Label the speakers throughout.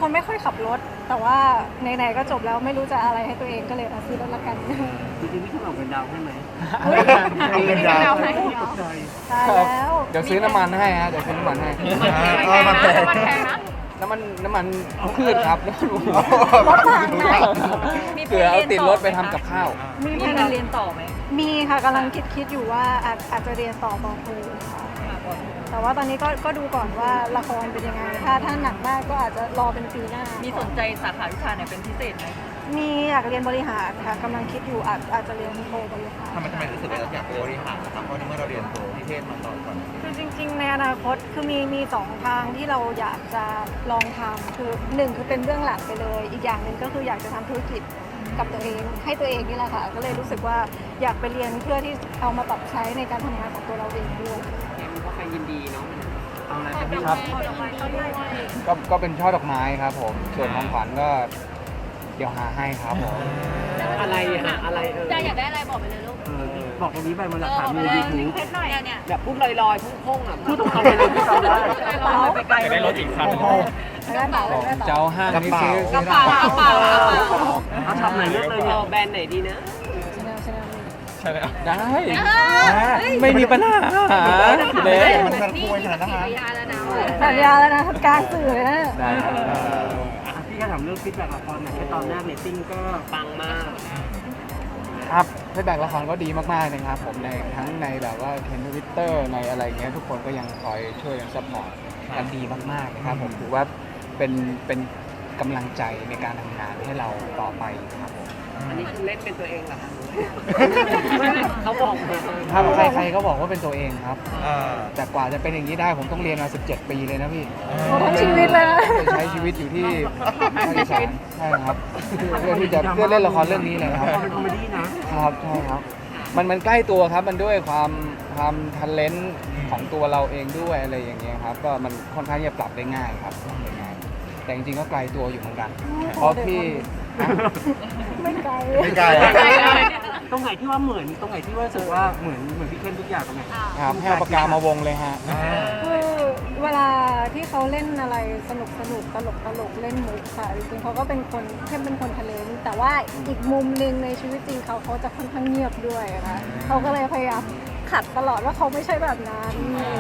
Speaker 1: คนไม่ค่อยขับรถแต่ว่าไหนๆก็จบแล้วไม่รู้จะอะไรให้ตัวเองก็เลยซื้อรถละกัน
Speaker 2: จริงๆพี่ขนมเป็นดาวให้ไหม
Speaker 3: เอาเป็นดาวให้
Speaker 2: ตกใจ
Speaker 1: ตายแล้ว
Speaker 4: เดี๋ยวซื้อน้ำมันให้ฮะเดี๋ยวซื้อน้ำมันให้
Speaker 3: มันแพง
Speaker 4: น้ำมันพืชครับ
Speaker 1: รถถังไหน
Speaker 4: เผื่อเอาติดรถไปทำกับข้าว
Speaker 1: มีแผนเรียนต่อไหมมีค่ะกำลังคิดอยู่ว่าอาจจะเรียนต่อปอโทค่ะแต่ว่าตอนนี้ก็ดูก่อนว่าละครเป็นยังไงถ้าหนักมากก็อาจจะรอเป็นปีหน้ามี
Speaker 5: สนใจสาขาวิชาไหนเป็นพิเศษไหม
Speaker 1: มีอยากเรียนบริหารค่ะกำลังคิดอยู่อาจจะเรียนโทบริหาร
Speaker 3: ทำไมรู้สึกว่าเราอยากบริหารนะครับเพราะในเมื่อเราเรียนโทนิเทศมาก่อน
Speaker 1: คือจริงๆในอนาคตคือมีสองทางที่เราอยากจะลองทำคือหนึ่งคือเป็นเรื่องหลักไปเลย อีกอย่างหนึ่งก็คืออยากจะทำธุรกิจกับตัวเองให้ตัวเองนี่แหละค่ะก็เลยรู้สึกว่าอยากไปเรียนเพื่อที่เอามาปรับใช้ในการทำงานของตัวเราเองด้วย
Speaker 5: ก็ไปยินดีเนาะ
Speaker 2: เอาอะไรจะพี่
Speaker 4: ครับ ก็เป็นช่อดอกไม้ครับผม ส่วนของขวัญก็เดี๋ยวหาให้ครับผม
Speaker 5: อะไรอะอะไร
Speaker 6: จะอยากได้อะไรบอกไปเลยลูก
Speaker 2: บอกตรงนี้ไปมันหลักฐานมียูทูบ
Speaker 6: เพชรหน่อยเนี่ย
Speaker 5: แบบพูดลอยๆพุ่งๆอ่ะ
Speaker 2: พูดตรงๆไปเลยพี่จำได้
Speaker 5: ไปไกลได้รถอีกคัน
Speaker 1: ได้เปล่าได้
Speaker 4: เจ้า
Speaker 1: เปล่า
Speaker 4: ห้างนี่ซื้อก
Speaker 6: ระเป๋ากระเป๋า
Speaker 2: เอาช็อปไหนเลือกเลยเนี่ย
Speaker 5: แบรนด์ไหนดีนะ
Speaker 1: ชนะ
Speaker 4: ได้ไม่มีปัญหาเด็ก
Speaker 3: มันคุยขนาดนั้นนะ
Speaker 6: ยาแล้วนะ
Speaker 1: สัญญาแล้วนะกลางสื่อเลยนะ
Speaker 4: ได้ครับ
Speaker 2: พี่ก็ถามเรื่องฟีดแบ็กละครหน่อยแค่ตอนแรกเรตติ้งก็
Speaker 5: ปังมาก
Speaker 4: ครับฟีดแบ็กละครก็ดีมากๆนะครับผมในทั้งในแบบว่าเทนทวิตเตอร์ในอะไรเงี้ยทุกคนก็ยังคอยช่วยกันซัพพอร์ตกันดีมากๆนะครับผมถือว่าเป็นกำลังใจในการทำงานให้เราต่อไปครับผม
Speaker 5: อันนี้คือเล่นเป็นตัวเองเหรอคะเขาบอกมา
Speaker 4: ถ้าใครๆก็บอกว่าเป็นตัวเองครับ แต่กว่าจะเป็นอย่างนี้ได้ผมต้องเรียนมา17 ปีเลยนะพี่
Speaker 1: โอ้ทั้งชีวิตเลยนะ
Speaker 4: ใช้ชีวิตอยู่ที่ภาคอีสานใช่ครับเพื่อที่จะเพื่อเล่นละครเรื่องนี้เลยครับ
Speaker 2: เป็นคอมเมดี้นะครับ
Speaker 4: ใช่ครับมันใกล้ตัวครับมันด้วยความทันเลนต์ของตัวเราเองด้วยอะไรอย่างเงี้ยครับก็มันค่อนข้างจะปรับได้ง่ายครับปรับได้ง่ายแต่จริงๆก็ไกลตัวอยู่เหมือนกันเพราะพี่
Speaker 1: ไม่ไกล
Speaker 3: ไม่ไกล
Speaker 2: ตรงไหนที่ว่าเหมือนตรงไหนที่ว่ารู้สึกว่าเหมือนพี่เข้มทุกอย่างตรงไหน
Speaker 4: ครับให้เอาปากกามาวงเลยฮะ
Speaker 1: คือเวลาที่เขาเล่นอะไรสนุกตลกเล่นมุกค่ะจริงๆเขาก็เป็นคนเข้มเป็นคนทะเลนแต่ว่าอีกมุมหนึ่งในชีวิตจริงเขาจะค่อนข้างเงียบด้วยค่ะเขาก็เลยพยายามขัดตลอดว่าเขาไม่ใช่แบบนั้น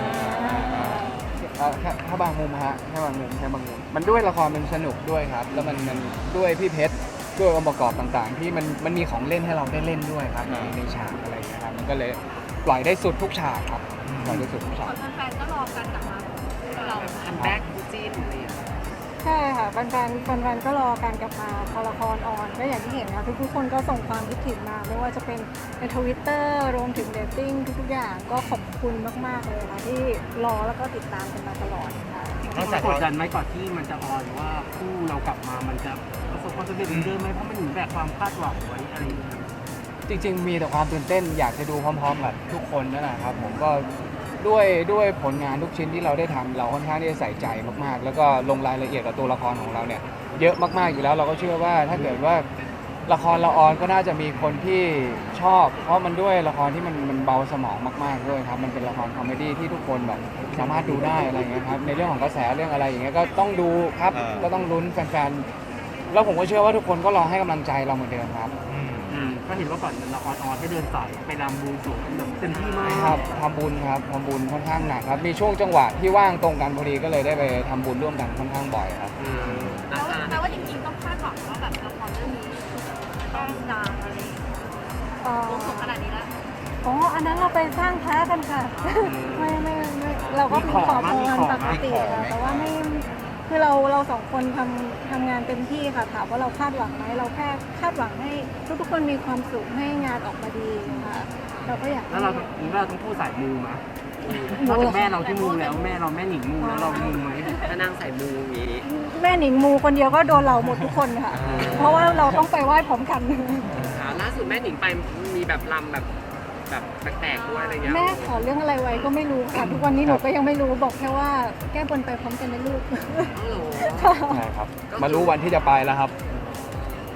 Speaker 4: ถ้าบางมุมฮะแค่บางมุมมันด้วยละครมันสนุกด้วยครับ แล้วมันด้วยพี่เพชรด้วยองค์ประกอบต่างๆ ที่มันมีของเล่นให้เราได้เล่นด้วยครับในฉากอะไรอย่างเงี้ยครับมันก็เลยปล่อยได้สุดทุกฉากครับปล่อยได้สุดทุกฉาก
Speaker 6: แฟนๆก็รอกันกลับมาเรา
Speaker 5: คัมแบ็กคู่จิ้นอะไรอย่างเงี้ย
Speaker 1: ใช่ค่ะแฟนๆก็รอการกลับมาพอละครออนก็อย่างที่เห็นนะทุกคนก็ส่งความคิดถึงมาไม่ว่าจะเป็นในทวิตเตอร์รวมถึงเดตติ้งทุกๆอย่างก็ขอบคุณมากๆเลยค่ะที่รอแล้วก็ติดตามกันมาตลอดค่ะ
Speaker 2: กดดันไหมก่อนที่มันจะออนว่าคู่เรากลับมามันจะประสบความสำเร็จเหมือนเดิมไหมเพราะมันถึงแบบความคาดหวังไว้อะไรอย่างเงี้ย
Speaker 4: จริงๆมีแต่ความตื่นเต้นอยากจะดูพร้อมๆกับทุกคนนั่นแหละครับผมก็ด้วยผลงานทุกชิ้นที่เราได้ทำเราค่อนข้างที่จะใส่ใจมากๆ แล้วก็ลงรายละเอียดกับตัวละครของเราเนี่ยเยอะมากๆอยู่แล้วเราก็เชื่อว่าถ้าเกิดว่าละครเราออนก็น่าจะมีคนที่ชอบ เพราะมันด้วยละครที่มันเบาสมองมากๆด้วยครับมันเป็นละครคอมเมดี้ที่ทุกคนแบบสามารถดูได้อะไรเงี้ยครับในเรื่องของกระแสเรื่องอะไรอย่างเงี้ยก็ต้องดูครับก็ต้องลุ้นแฟนๆแล้วผมก็เชื่อว่าทุกคนก็รอให้กำลังใจเราเหมือนเดิมครับ
Speaker 2: ก็เห็นว่าก่อนละครออนให้เดินสายไปรำบวงสรวงแบบเต็มที่มาก
Speaker 4: ครับทำบุญครับทำบุญค่อนข้างหนักครับมีช่วงจังหวะที่ว่างตรงกันพอดีก็เลยได้ไปทำบุญร่วมกันค่อนข้างบ่อยครับ
Speaker 6: แปลว่าจริงๆต้องคาดหวังว่าแบบละครเรื่องนี้ต้องดังอะไรวงสงขนาดนี้แล้ว
Speaker 1: อ๋ออันนั้นเราไปสร้างพระกันค่ะ ไม่เราก็มีขอพรปกติค่ะแต่ว่าไม่คือเราสองคนทำงานเต็มที่ค่ะถามว่าเราคาดหวังไหมเราแค่คาดหวังให้ทุกคนมีความสุขให้งานออกมาดีค่ะเราก็อยาก
Speaker 2: แล้วเราต้องพูดสายมูไหมนอกจากแม่เราที่มูแล้วแม่เราแม่หนิงมูแล้วเรามูไหม
Speaker 5: ถ้านางใส่มูอย่างนี้
Speaker 1: แม่หนิงมูคนเดียวก็โดนเราหมดทุกคนค่ะ เพราะว่าเราต้องไปไหว้พร้อมกัน
Speaker 5: ล่าสุดแม่หนิงไปมีแบบลำแบบแปลกๆด้วยอะไรเงี้ย
Speaker 1: แม่ขอเรื่องอะไรไว้ก็ไม่รู้ค่ะทุกวันนี้หนูก็ยังไม่รู้บอกแค่ว่าแก้บนไปพร้อมกันนะลูก
Speaker 5: อ๋อเหรอ
Speaker 4: ใช่ครับมารู้วันที่จะไปแล้วครับ
Speaker 2: พี่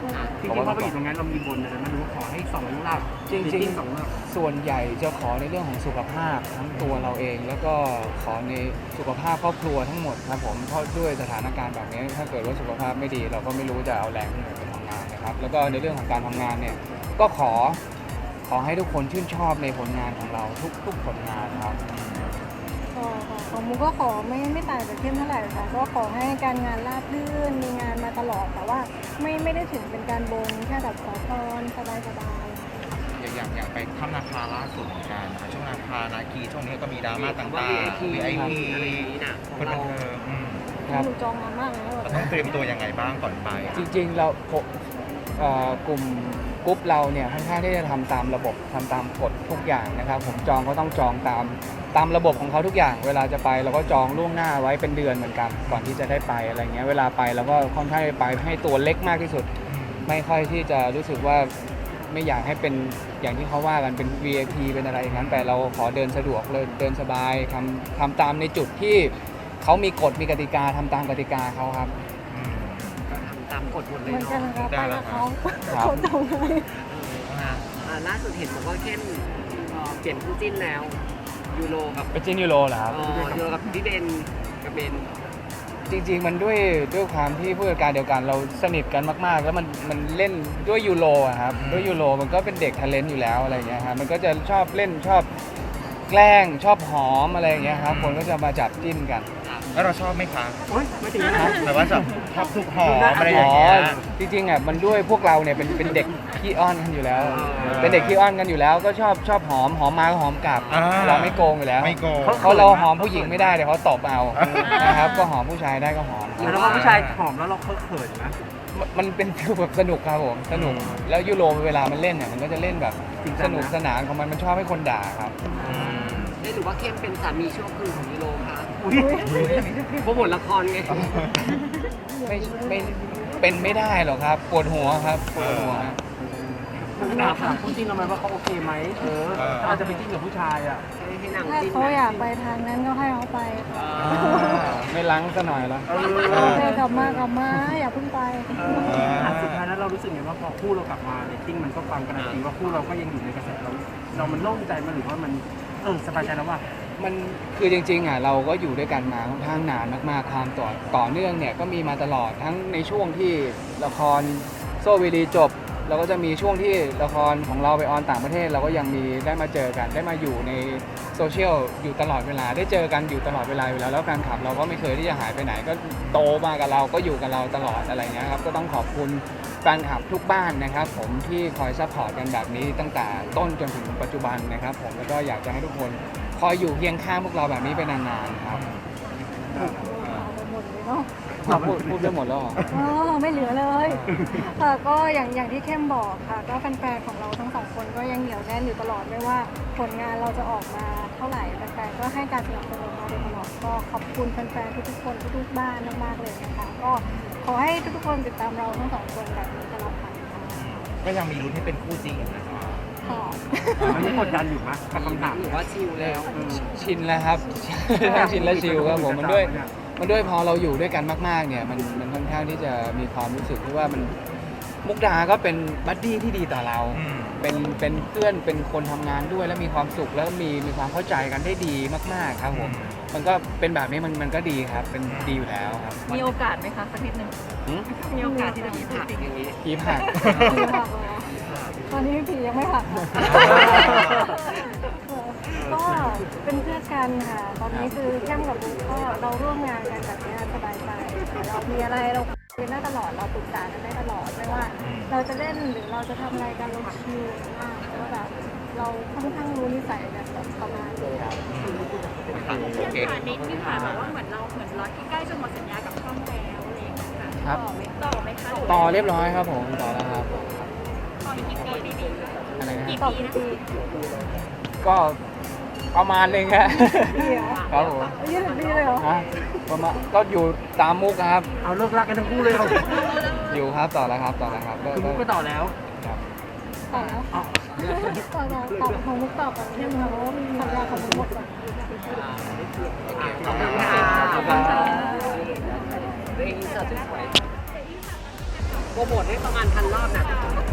Speaker 2: ริงๆพอไปอยู่ตรงนั้นเรามีบนอะไรมันรู้ขอให้2 หลัก
Speaker 4: จริง
Speaker 2: 2 หลัก
Speaker 4: ๆส่วนใหญ่จะขอในเรื่องของสุขภาพทั้งตัวเราเอง แล้วก็ขอในสุขภาพครอบครัวทั้งหมดครับผมเพราะด้วยสถานการณ์แบบนี้ถ้าเกิดว่าสุขภาพไม่ดี เราก็ไม่รู้จะเอาแรงที่ไหนไปทำงานนะครับแล้วก็ในเรื่องของการทำงานเนี่ยก็ขอให้ทุกคนชื่นชอบในผลงานของเราทุกผลงานครับ
Speaker 1: ของมุกก็ขอไม่ต่างจากเข้มเท่าไหร่ค่ะก็ขอให้การงานราบรื่นมีงานมาตลอดแต่ว่าไม่ได้ถึงเป็นการบนแค่แบบขอพรสบาย
Speaker 3: อย่างไปถ้ำนาคาล่าสุดเหมือนกันนะคะช่วงนาคานาคีช่วงนี้ก็มีดราม่าต่าง
Speaker 5: VIP
Speaker 3: ๆ VIP
Speaker 5: อะไรอย่างนี้น่ะข
Speaker 3: ค
Speaker 5: อน ง
Speaker 3: บั
Speaker 5: เรา
Speaker 3: นเทิง
Speaker 1: ๆหนูจองมามากแล้ว
Speaker 3: เราต้องเตรียมตัวยังไงบ้างก่อนไป
Speaker 4: จริงๆเรากลุ่มกรุ๊ปเราเนี่ยค่อนข้างที่จะทำตามระบบทำตามกฎทุกอย่างนะครับผมจองก็ต้องจองตามระบบของเขาทุกอย่างเวลาจะไปเราก็จองล่วงหน้าไว้เป็นเดือนเหมือนกันก่อนที่จะได้ไปอะไรเงี้ยเวลาไปเราก็ค่อนข้างไปให้ตัวเล็กมากที่สุดไม่ค่อยที่จะรู้สึกว่าไม่อยากให้เป็นอย่างที่เขาว่ากันเป็น VIP เป็นอะไรอย่างนั้นแต่เราขอเดินสะดวกเลยเดินสบายทำตามในจุดที่เขามีกฎมีกติกาทำตามกติกาเขาครับ
Speaker 5: ก็ทำตามกฎหมดเลย
Speaker 1: เหมือนกัน
Speaker 5: เนาะ
Speaker 1: นะคะไปกับเขา
Speaker 4: ครับ
Speaker 1: เขาจองให้
Speaker 5: ล่าสุดเห็นบอกว่าเข้มเปลี่ยนคู่จิ้นแล้วยูโรกับ
Speaker 4: เป็นจินยูโรเหรอครับ
Speaker 5: ยูโรกับพี่เบนกับเบน
Speaker 4: จริงๆ มันด้วยความที่ผู้จัดการเดียวกันเราสนิทกันมากๆ แล้วมันเล่นด้วยยูโรอะครับด้วยยูโรมันก็เป็นเด็กทาเลนต์อยู่แล้วอะไรเงี้ยครับมันก็จะชอบเล่นชอบแกล้งชอบหอมอะไรอย่างเงี้ยครับคนก็จะมาจับจิ้นกัน
Speaker 3: แล้วเราชอบไหมคะ
Speaker 2: โอ๊ยไม่ถึงนะ
Speaker 3: แบบว่าชอบทุกหอมอะไรอย่างเงี้ย
Speaker 4: จริงๆอ่ะมันด้วยพวกเราเนี่ยเป็นเด็กขี้อ้อนกันอยู่แล้ว เป็นเด็กขี้อ้อนกันอยู่แล้วก็ชอบหอมมาก็หอมกลับ เราไม่โกงอยู่แล้ว
Speaker 3: ไม่โกง
Speaker 4: เขาเราหอมผู้หญิงไม่ได้เดี๋ยวเขาตบเอานะครับก็หอมผู้ชายได้ก็หอม
Speaker 2: แล้วพอผู้ชายหอมแล้วเราเขินนะ
Speaker 4: มันเป็นฟิลแบบสนุกครับผมสนุกแล้วยูโรเวลามันเล่นเนี่ยมันก็จะเล่นแบบสนุกสนานของมันชอบให้คนด่าครับ
Speaker 5: ได้หรือว่าเข้มเป็นสามีชั่วคราวของยูโรคะ
Speaker 2: อุ้ย
Speaker 5: โปรโมทละครไง
Speaker 4: ไม่เป็นไม่ได้หรอกครับปวดหัวครับปวดหัว
Speaker 2: มุกดาถามคู่จิ้นเราไหมว่าเขาโอเคไหมอาจจะไปจิ้นกับผู้ชายอ่ะ
Speaker 5: ให้นาง
Speaker 1: ถ้า
Speaker 5: จิ้น
Speaker 1: เขาอยากไปทางนั้นก็ให้เขาไปค่ะ
Speaker 4: ไม่ล้างซะหน่อยละ
Speaker 1: กลับมาอย่าเพิ่งไป
Speaker 2: สุดท้ายแล้วเรารู้สึกไงว่าพอคู่เรากลับมาเรตติ้งมันก็ฟังการันตีว่าคู่เราก็ยังอยู่ในกระแสเรามันโล่งใจมันหรือว่ามันสบายใจแล้วว่า
Speaker 4: มันคือจริงๆอ่ะเราก็อยู่ด้วยกันมาค่อนข้างนานมากๆความต่อเนื่องเนี่ยก็มีมาตลอดทั้งในช่วงที่ละครโซวีดีจบเราก็จะมีช่วงที่ละครของเราไปออนต่างประเทศเราก็ยังมีได้มาเจอกันได้มาอยู่ในโซเชียลอยู่ตลอดเวลาได้เจอกันอยู่ตลอดเวลาอยู่แล้วแล้วแฟนคลับเราก็ไม่เคยที่จะหายไปไหนก็โตมากับเราก็อยู่กับเราตลอดอะไรเงี้ยครับก็ต้องขอบคุณแฟนคลับทุกบ้านนะครับผมที่คอยซัพพอร์ตกันแบบนี้ตั้งแต่ต้นจนถึงปัจจุบันนะครับผมแล้วก็อยากจะให้ทุกคนคอยอยู่เคียงข้างพวกเราแบบนี้ไปนานๆครับ
Speaker 1: เอาไปหมดเลยเนาะ
Speaker 4: พูดไปหมดแล้วเหรอ
Speaker 1: ไม่เหลือเลยค่ะก็อย่างที่เข้มบอกค่ะ ก็แฟนๆของเราทั้งสองคนก็ยังเหนียวแน่นอยู่ตลอดไม่ว่าผลงานเราจะออกมาเท่าไหร่แฟนๆก็ให้การสนับสนุนเราโดยตลอดก็ขอบคุณแฟนๆทุกๆคนทุกๆบ้านมากๆเลยนะคะก็ขอให้ทุกๆคนติดตามเราทั้งสองคนแบบนี้ตลอดไปค่ะ
Speaker 3: ก็ยังมีลุ้นให้เป็นคู่จริงนะคะ
Speaker 1: ค่ะ
Speaker 2: มันไม่กดดันอยู่มั้ยกับคำถาม
Speaker 5: หรือว่าชิลแล้ว
Speaker 4: ชินแล้วครับชินและชิลครับผมมันด้วยพอเราอยู่ด้วยกันมากๆเนี่ยมันค่อนข้างที่จะมีความรู้สึกที่ว่ามันมุกดาก็เป็นบัดดี้ที่ดีต่อเราเป็นเพื่อนเป็นคนทำงานด้วยแล้วมีความสุขแล้วมีความเข้าใจกันได้ดีมากๆครับผมมันก็เป็นแบบนี้มันก็ดีครับเป็นดีอยู่แล้วครับ
Speaker 6: มีโอกาสไหมคะสักนิดนึง
Speaker 4: หืม
Speaker 6: มีโอกาสที่จะมี
Speaker 5: ผักอย่างนี้
Speaker 4: ผีผัก
Speaker 1: ผีผักเหรอตอนนี้ผียังไม่ผักค่ะก็เป็นเพื่อนกันค่ะ ตอนนี้คือเข้มกับบุ๊กก็เราร่วมงานกันแบบนี้สบายใจเรามีอะไรเราคุยกันได้ตลอดเราปรึกษากันได้ตลอดไม่ว่า เราจะเล่นหรือเราจะทำอะไรกันเราชิลมากเพราะว่าแบบเราค่อนข้างรู้นิสัยกันแบบประมาณนี้
Speaker 3: โอเค
Speaker 6: นิดนึงค่ะแบบว่าเหมือนเราที่ใกล้จะหมดสัญญากับช่องแล้วอะไรอย่างเงี้ยค่ะ
Speaker 4: ครับ
Speaker 6: ต่อไหมคะ
Speaker 4: ต่อเรียบร้อยครับผมต่อแล้วครับ
Speaker 6: ต่ออีกกี่ปีดี
Speaker 4: อะไรนะ
Speaker 1: ต่อกี่ปี
Speaker 4: ก็ประมาณนึงฮะ
Speaker 1: ปีเหรอ
Speaker 4: ครับผม
Speaker 1: 20 ปีเลยเหรอ
Speaker 4: ฮะประมาณก็อยู่ตามมุกครับ
Speaker 2: เอาเลิกรักกันทั้งคู่เลยเหรอ
Speaker 4: อยู่ครับต่อแล้วครับก็
Speaker 2: คือมุกก็ต่อแล้ว
Speaker 4: ครับ
Speaker 1: ต่อแล้วตอบของมุกตอบแบบนี้ค่ะเพราะว่าสัญญาของมุกหมดแล้ว
Speaker 5: ขอบคุณค่ะ
Speaker 1: ขอบคุณค่ะ
Speaker 5: ตัวเองอินเสิร์ตสวยๆโปรโมทให้ประมาณ1,000 รอบนะ